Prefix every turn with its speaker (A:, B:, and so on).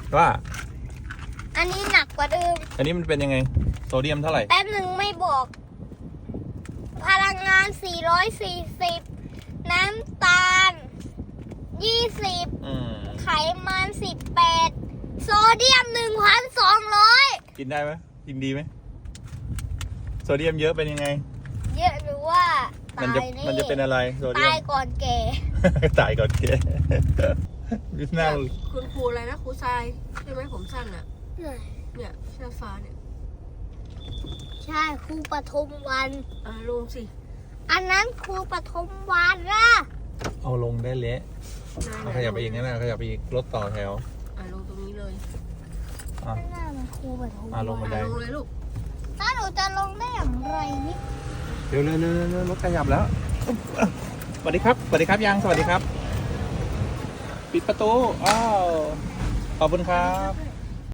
A: ว่า
B: อันนี้หนักกว่าเดิม
A: อันนี้มันเป็นยังไงโซเดียมเท่าไหร่
B: แป๊บหนึ่งไม่บอก พลังงาน 440 น้ำตาล 20 ไขมัน 18 โซเดียม 1,200
A: กินได้ไหมกินดีไหมโซเดียมเยอะเป็นยังไง
B: เยอะหรือว่าตายนี่
A: มันจะเป็นอะไรโซเดีย
B: ตาม ยก่อนแก่
A: ตายก่อนแกน่า
C: คุณครูอะไรนะครูทรายใช่ไหมผมสั้นอ่ะเนี่ยเสื้อฟ้าเนี่ย
B: ใช่ครูปฐมวัน
C: ลงสิ
B: อันนั้นครูปฐมวันนะ
A: เอาลงได้เละเอาขยับไปอีกนั่นนะขยับไปอีกรถต่อแถว
C: ลงตรงนี้เลย
A: อ่ะ
B: นั่นน่ะมันครูปฐม
A: ลงบันได
C: ลงเลยลูก
B: ถ้าหนูจะลงได้อย่างไรนี่
A: เร็วรถขยับแล้วสวัสดีครับสวัสดีครับยังสวัสดีครับ ปิดประตูอ้าวขอบคุณครับ